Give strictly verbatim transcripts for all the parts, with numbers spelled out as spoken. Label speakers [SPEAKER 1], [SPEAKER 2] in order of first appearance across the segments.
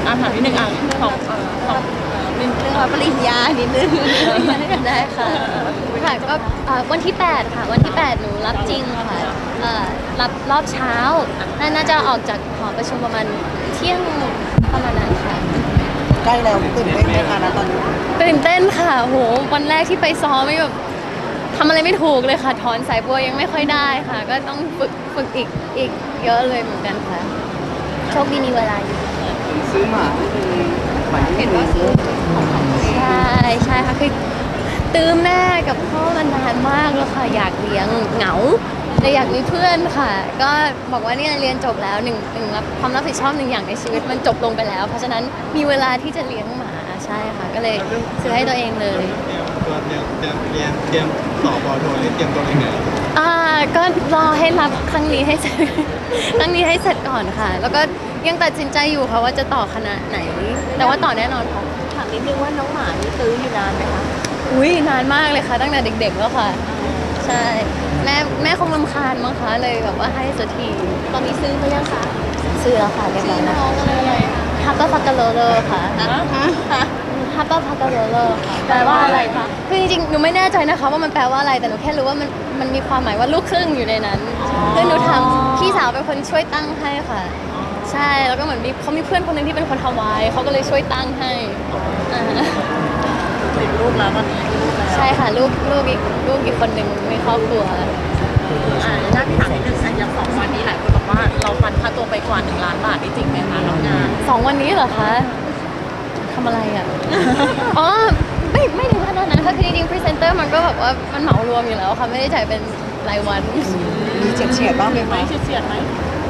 [SPEAKER 1] อ่านถามนิดนึงอ่ะของเอ่อของเอ่อนิด
[SPEAKER 2] เรื่องรับปริญญานิดนึงได้ค่ะค่ะก็เอ่อวันที่แปดค่ะวันที่แปดหนูรับจริงค่ะเอ่อรับรอบเช้าน่าน่าจะออกจากหอประชุมประมาณเที่ยงประมาณนั้นค่ะ
[SPEAKER 3] ใกล้แล้วตื่นเต้นไหมคะนะตอนนี้
[SPEAKER 2] ตื่นเต้นค่ะโหวันแรกที่ไปซ้อมไม่แบบทำอะไรไม่ถูกเลยค่ะถอนสายบัวยังไม่ค่อยได้ค่ะ ก็ต้องฝึกฝึกอีกอีกเยอะเลยเหมือนกันค่ะโชคดีมีเวลาอยู่
[SPEAKER 3] ซื้อหมาหมายเห็นว่าซื้อของของตัวเอง
[SPEAKER 2] ใช่ใช่ค่ะคือตื้อแม่กับพ่อมานานมากแล้วค่ะอยากเลี้ยงเหงาเลยอยากมีเพื่อนค่ะ ก็บอกว่าเนี่ยเรียนจบแล้วหนึ่งหนึ่งรับความรับผิดชอบหนึ่งอย่างในชีวิตมันจบลงไปแล้ว เพราะฉะนั้นมีเวลาที่จะเลี้ยงหมาใช่ค่ะ ก็เลยซื้อให้ตัวเองเลย
[SPEAKER 4] เตรียมตัวเตรียมเตรียมเรียนเตรียมสอบปอโทนี่เตรียมตัวยังไง
[SPEAKER 2] อ่าก็รอให้รับครั้งนี้ให้เสร็จ ครั้งนี้ให้เสร็จก่อนค่ะ แล้วก็ยังตัดสินใจอยู่ค่ะว่าจะต่อคณะไหน แต่ว่าต่อแน่นอนค่ะ
[SPEAKER 1] ถามนิดนึงว่าน้องหมานี่ตื้ออยู่นานไหมคะ
[SPEAKER 2] อุ้ยนานมากเลยค่ะตั้งแต่เด็กๆแล้วค่ะ ใช่แม่แม่คงรำคาญมั้งคะเลยแบบว่าให้สักที
[SPEAKER 1] ตอนนี้ซื้อเขายังคะ
[SPEAKER 2] ซื้อแล้วค่ะเรียบร้อยแล้ว
[SPEAKER 1] น้องอะไรอะไร
[SPEAKER 2] ฮับเปอร์พักกาโลเลอร์ค่ะ
[SPEAKER 1] ฮะฮะ
[SPEAKER 2] ฮับเปอร์พักกาโลเลอร์ค่ะ
[SPEAKER 1] แปลว่าอะไรคะ
[SPEAKER 2] คือจริงๆหนูไม่แน่ใจนะคะว่ามันแปลว่าอะไรแต่หนูแค่รู้ว่ามันมันมีความหมายว่าลูกครึ่งอยู่ในนั้นคือหนูทำพี่สาวเป็นคนช่วยตั้งให้ค่ะ ใช่แล้วก็เหมือนมีเขามีเพื่อนคนหนึงที่เป็นคนฮาวายเขาก็เลยช่วยตั้งให้อ่า
[SPEAKER 1] ติดรูปแล้วตอนนี้รูปแล้ว
[SPEAKER 2] ใช่ค่ะลูกลูกอีกลูกอีกคนหนึ่งมีครอบครัว
[SPEAKER 1] อ่าน่าถามนิดนึงอ่ะอย่างสองวันนี้หลายคนบอกว่าเราฟันค่าตัวไปกว่าหนึ่งล้านบาทนี่จริงไหมคะรับงาน
[SPEAKER 2] สองวันนี้เหรอคะทำอะไรอ่ะ อ๋อไม่ไม่ถึงขนาดนั้นค่ะคือจริงๆพรีเซนเตอร์มันก็แบบว่ามันเหมารวมอยู่แล้วค่ะไม่ได้จ่ายเป็นรายวัน
[SPEAKER 3] มีเฉียดเฉียดๆบ้างไหม
[SPEAKER 1] ไหม
[SPEAKER 3] คะ
[SPEAKER 1] เฉียดๆไหม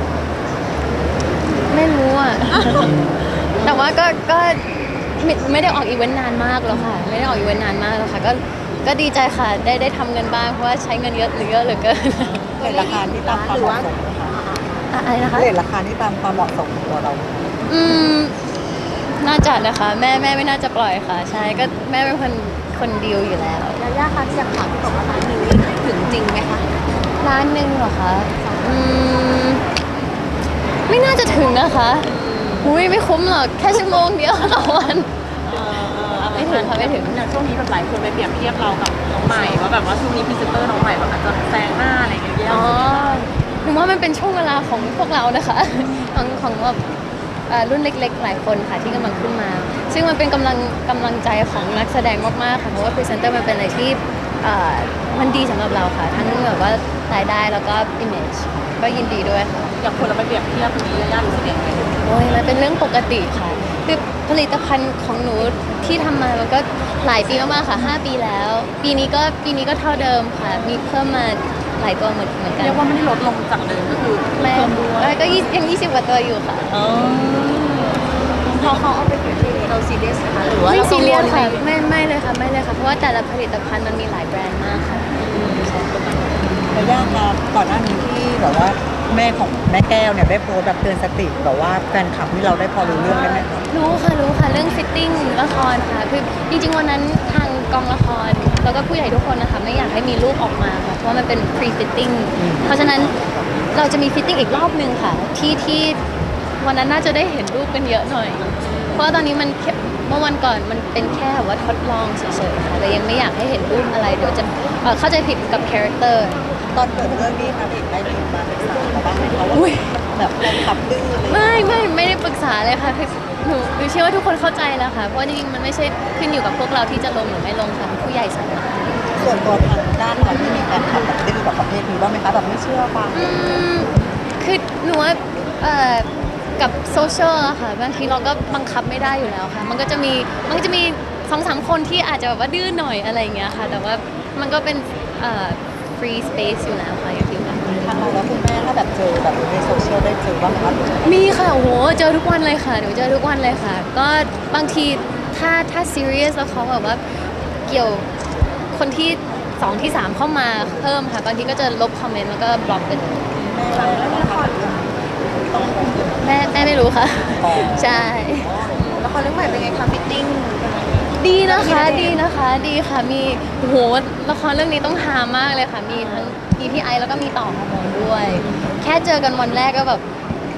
[SPEAKER 2] ไม่รู้อ่ะ แต่ว่าก็ก็ไม่ไม่ได้ออกอีเวนต์นานมากแล้วค่ะ ไม่ได้ออกอีเวนต์นานมากแล้วค่ะ ก็ก็ดีใจค่ะได้ได้ทำเงินบ้างเพราะว่าใช้เงินเยอะหรือเยอะเหลือเกิน
[SPEAKER 3] เรทราคาที่ตามความเหมาะสมนะคะ
[SPEAKER 2] อะอะไรนะคะ
[SPEAKER 3] เรทราคาที่ตามความเหมาะสมของตัวเรา
[SPEAKER 2] อืมน่าจะนะคะแม่แม่ไม่น่าจะปล่อยค่ะ ใช่ก็แม่เป็นคนคนดีลอยู่แล้ว
[SPEAKER 1] ยาย่าคะอย่างถามที่บอกว่าร้านหนึ่งนี่ถึงจริงไหมคะ
[SPEAKER 2] ร้านหนึ่งเหรอคะอืมไม่น่าจะถึงนะคะหุยไม่คุ้มหรอกแค่ชั่วโมงเดียวต่อวัน ไม่ถึงค่ะไม่ถึง
[SPEAKER 1] อย่างช่วงนี้แบบหลายคนไปเปรียบเทียบเรากับน้องใหม่ว่าแบบว่าช่วงนี้พรีเซนเตอร์น้องใหม่แบบอาจจะแซงหน้าอะไรอย่างเงี้ยแย่
[SPEAKER 2] อ๋อหนูว่ามันเป็นช่วงเวลาของพวกเรานะคะ ของของแบบเอ่อรุ่นเล็กๆ หลายคนค่ะที่กำลังขึ้นมา ซึ่งมันเป็นกำลังกำลังใจของนักแสดงมากๆค่ะเพราะว่าพรีเซนเตอร์มันเป็นอะไรที่เอ่อมันดีสำหรับเราค่ะ ทั้งแบบว่ารายได้แล้วก็ image ก็ยินดีด้วยค่ะ
[SPEAKER 1] อย่างคนเราไปเปรียบเทียบตรงนี้ยาย่ารู้สึกยังไง
[SPEAKER 2] โอ้ยมันเป็นเรื่องปกติค่ะ คือผลิตภัณฑ์ของหนูที่ทำมามันก็หลายปีมากๆค่ะห้าปีแล้ว ปีนี้ก็ปีนี้ก็เท่าเดิมค่ะ มีเพิ่มมาหลายตัวเหมือนเหมือนกัน
[SPEAKER 1] เรียกว่าไม่ได้ลดลงจากเดิมก็คือ
[SPEAKER 2] แม่
[SPEAKER 1] เพิ่มด้วย
[SPEAKER 2] เอ้ยก็ยี่ยังยี่สิบกว่าตัวอยู่ค่ะ
[SPEAKER 1] เออพอเขาเอาไปเปรียบเทียบเราซีเรียสนะคะหรือว่า
[SPEAKER 2] ไม่
[SPEAKER 1] เรา
[SPEAKER 2] ซีเรียสค่ะ
[SPEAKER 1] กังวลไหม
[SPEAKER 2] ไม่ไม่เลยค่ะไม่เลยค่ะ เพราะว่าแต่ละผลิตภัณฑ์มันมีหลายแบรนด์มากค่ะ
[SPEAKER 3] ระยะครับก่อนหน้านี้ที่แบบว่าแม่ของแม่แก้วเนี่ยได้โพสต์แบบเตือนสติแบบว่าแฟนคลับที่เราได้พอรู้เรื่องได้ไหมคะ
[SPEAKER 2] รู้ค่ะรู้ค่ะเรื่องฟิตติ้งละครค่ะคือจริงๆวันนั้นทางกองละคร แล้วก็ผู้ใหญ่ทุกคนนะคะไม่อยากให้มีรูปออกมาค่ะเพราะว่ามันเป็น pre fitting เพราะฉะนั้นเราจะมีฟิตติ้งอีกรอบหนึ่งค่ะ ที่ที่วันนั้นน่าจะได้เห็นรูปกันเยอะหน่อย เพราะว่าตอนนี้มันแค่เมื่อวันก่อนมันเป็นแค่ว่าทดลองเฉยๆค่ะแต่ยังไม่อยากให้เห็นรูปอะไรเดี๋ยวจะเอ่อเข้าใจผิดกับคาแรคเตอร์
[SPEAKER 3] ตอนเกิดเรื่องนี้ครับเอกได้มีมาปรึกษาเราบ้างไหมคะว่า
[SPEAKER 2] อุ๊ย
[SPEAKER 3] แบบแฟนคลับดื้ออะไรอย่างเงี้ย
[SPEAKER 2] ไม่ไม่ไม่ได้ปรึกษาเลยค่ะคือหนูหนูเชื่อว่าทุกคนเข้าใจแล้วค่ะ เพราะจริงๆมันไม่ใช่ขึ้นอยู่กับพวกเราที่จะลงหรือไม่ลงค่ะผู้ใหญ่สั่งมา
[SPEAKER 3] ส่วนตัวทางด้านเราที่มีแฟนคลับแบบดื้อแบบประเภทนี้บ้างไหมคะแบบไม่เชื่อฟัง
[SPEAKER 2] อืมคือหนูว่าเอ่อกับโซเชียลอะค่ะบางทีเราก็บังคับไม่ได้อยู่แล้วค่ะ มันก็จะมีมันก็จะมีสองสามคนที่อาจจะแบบว่าดื้อหน่อยอะไรอย่างเงี้ยค่ะ แต่ว่ามันก็เป็นเอ่อ free space อยู่แล้วค่ะอย่างที่ว่า
[SPEAKER 3] ทางเราแล้วคุณแม่ถ้าแบบเจอแบบในโซเชียลได้เจอบ้างไหมคะ
[SPEAKER 2] มีค่ะโอ้โหเจอทุกวันเลยค่ะหนูเจอทุกวันเลยค่ะ ก็บางทีถ้าถ้า serious แล้วเขาแบบว่าเกี่ยวคนที่สองที่สามเข้ามาเพิ่มค่ะบางทีก็จะลบคอมเมนต์แล้วก็บล็อกไปเลย
[SPEAKER 3] แล้วละครเรื่องต้อง
[SPEAKER 2] แม่แม่ไม่รู้ค่ะ
[SPEAKER 3] อ๋อ
[SPEAKER 2] ใช่
[SPEAKER 1] ละครเรื่องใหม่เป็นไงคะฟิตติ้ง
[SPEAKER 2] ดีนะคะดีนะคะดีค่ะมีโอ้โหละครเรื่องนี้ต้องฮามากเลยค่ะ มีทั้ง พี พี ไอ แล้วก็มีต่อฮอร์โมนด้วย แค่เจอกันวันแรกก็แบบ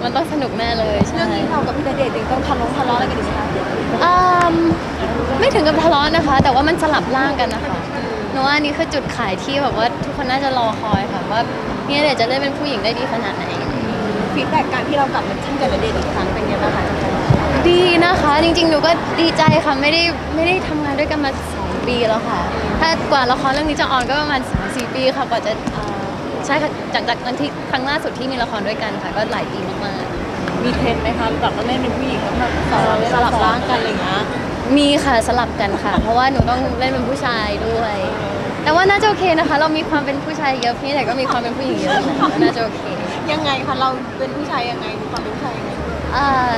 [SPEAKER 2] มันต้องสนุกแน่เลยใช่
[SPEAKER 1] เรื่องนี้เรากับพี่ณเดชน์ยังต้องทะเลาะทะเลาะอะไรกันอีกไหมคะ
[SPEAKER 2] อืมไม่ถึงกับทะเลาะนะคะ แต่ว่ามันสลับร่างกันนะคะหนูว่าอันนี้คือจุดขายที่แบบว่าทุกคนน่าจะรอคอยค่ะว่าเนี่ยเดี๋ยวจะเล่นเป็นผู้หญิงได้ดีขนาดไหน
[SPEAKER 1] ฟีดแบ็กการที่เรากลับมาจิ้นกับณเดชน์อีกครั้งเป็นไงบ้างคะ
[SPEAKER 2] ดีนะคะ จริงๆ หนูก็ดีใจค่ะไม่ได้ไม่ได้ทำงานด้วยกันมาสองปีแล้วค่ะ ถ้ากว่าละครเรื่องนี้จะออนก็ประมาณสามสี่ปีค่ะกว่าจะเอ่อใช่ค่ะจากจากนั้นที่ครั้งล่าสุดที่มีละครด้วยกันค่ะ ก็หลายปีมาก
[SPEAKER 1] มีเทรนด์ไหมคะแบบว่าเล่นเป็นผู้หญิงแล้วแบบสลับร่างกันอะไรอย่างเงี้ย
[SPEAKER 2] ๆ มีค่ะสลับกันค่ะ เพราะว่าหนูต้องเล่นเป็นผู้ชายด้วย แต่ว่าน่าจะโอเคนะคะ เรามีความเป็นผู้ชายเยอะพี่แต่ก็มีความเป็นผู้หญิงเยอะค่ะก็น่าจะโอเค
[SPEAKER 1] ยังไงคะเราเป็นผู้ชายยังไงมีความเป็นผู้ชายยังไง
[SPEAKER 2] เอ่อ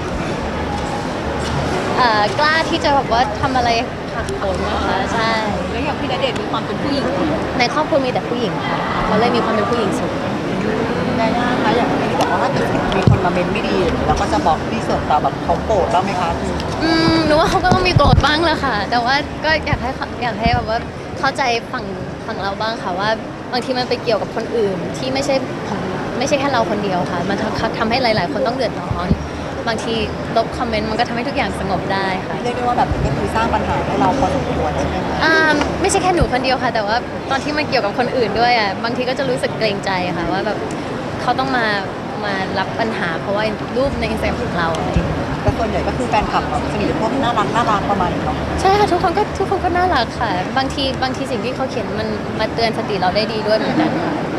[SPEAKER 2] เอ่อกล้าที่จะแบบว่าทำอะไรผักโผนนะคะใช่
[SPEAKER 1] แล้วอย่างพี่ณเดชน์มีความเป็นผู้หญิง
[SPEAKER 2] ในครอบครัวมีแต่ผู้หญิงค่ะเราเลยมีความเป็นผู้หญิงสูง
[SPEAKER 3] ได้ยากคะอย่างที่บอกว่าถ้าเกิดมีคนมาเมนไม่ดีเราก็จะบอกที่ส่วนตัวแบบเขาโกรธบ้างไหมคะคือ
[SPEAKER 2] อืมหนูว่าเขาก็ต้องมีโกรธบ้างแหละค่ะ แต่ว่าก็อยากให้เขาอยากให้แบบว่าเข้าใจฝั่งฝั่งเราบ้างค่ะว่าบางทีมันไปเกี่ยวกับคนอื่นที่ไม่ใช่ของไม่ใช่แค่เราคนเดียวค่ะ มันทำทำให้หลาย ๆ คนต้องเดือดร้อน บางทีลบคอมเมนต์มันก็ทำให้ทุกอย่างสงบได้ค่ะ
[SPEAKER 3] เรียกได้ว่าแบบก็คือสร้างปัญหาให้เราพอสมควรใช่ไหมคะ
[SPEAKER 2] อ่าไม่ใช่แค่หนูคนเดียวค่ะ แต่ว่าตอนที่มันเกี่ยวกับคนอื่นด้วยอ่ะบางทีก็จะรู้สึกเกรงใจค่ะว่าแบบเขาต้องมามารับปัญหา เพราะว่ารูปในอินสตาแกรมของเราอะไรอย่างเงี้ย
[SPEAKER 3] แต่ส่วนใหญ่ก็คือแฟนคลับแบบสนิทพวกน่ารักน่ารักประมาณนี้เนาะ
[SPEAKER 2] ใช่ค่ะทุกคนก็ทุกคนก็น่ารักค่ะ บางทีบางทีสิ่งที่เขาเขียนมันมาเตือนสติเราได้ดีด้วยเหมือนกันค่ะ